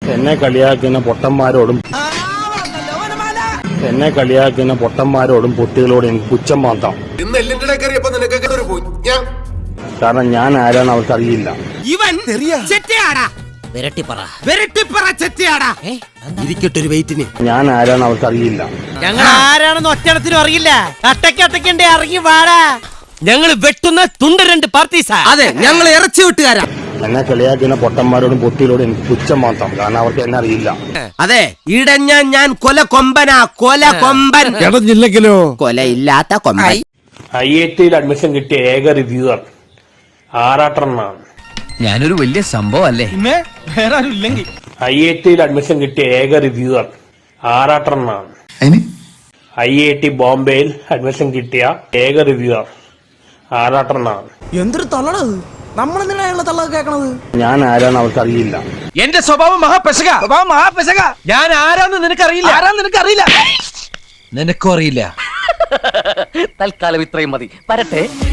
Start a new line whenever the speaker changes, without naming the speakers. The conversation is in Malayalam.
എന്നെ കളിയാക്കുന്ന പൊട്ടന്മാരോടും പൊട്ടികളോടും എനിക്ക് പുച്ഛം മാത്രം. കാരണം ഞാൻ ആരാണ് അവർക്കറിയില്ല. ഞാൻ ആരാണ് അവർക്കറിയില്ല.
ഞങ്ങൾ ആരാണെന്ന് ഒറ്റണത്തിനും അറിയില്ല. അട്ടക്കണ്ടേ ഇറങ്ങി വാടാ. ഞങ്ങൾ വെട്ടുന്ന തുണ്ട് രണ്ട് പാർട്ടീസാ. അതെ, ഞങ്ങൾ ഇറച്ചി വെട്ടുകാരാ.
എന്നെ കളിയാക്കുന്ന പൊട്ടന്മാരോടും പൊട്ടികളോടും എനിക്ക് പുച്ഛം മാത്രം. കാരണം അവർക്ക് എന്നെ അറിയില്ല.
അതെ, ഇടഞ്ഞ ഞാൻ കൊല കൊമ്പനാ. കൊല കൊമ്പൻ
ഇടഞ്ഞില്ലെങ്കിലോ
കൊലയില്ലാത്ത കൊമ്പൻ.
IIT അഡ്മിഷൻ കിട്ടിയ ഏക റിവ്യൂവർ ആറാട്ടണ്ണാണ്.
ഞാനൊരു വലിയ സംഭവം അല്ലേ?
വേറെ ആരും ഇല്ലെങ്കിൽ
IIT അഡ്മിഷൻ കിട്ടിയ ഏക റിവ്യൂവർ ആറാട്ടണ്ണാണ്. IIT ബോംബെയിൽ അഡ്മിഷൻ കിട്ടിയ ഏക റിവ്യൂവർ ആറാട്ടണ്ണാണ്.
എന്തൊരു തള്ളണത്! നമ്മളെന്തിനാണ് തള്ള കേൾക്കണത്?
ഞാൻ ആരാണ് അവർക്കറിയില്ല.
എന്റെ സ്വഭാവം മഹാപെശക. ഞാൻ ആരാന്ന് നിനക്കറിയില്ല. നിനക്കും അറിയില്ല.
തൽക്കാലം ഇത്രയും മതി. വരട്ടെ.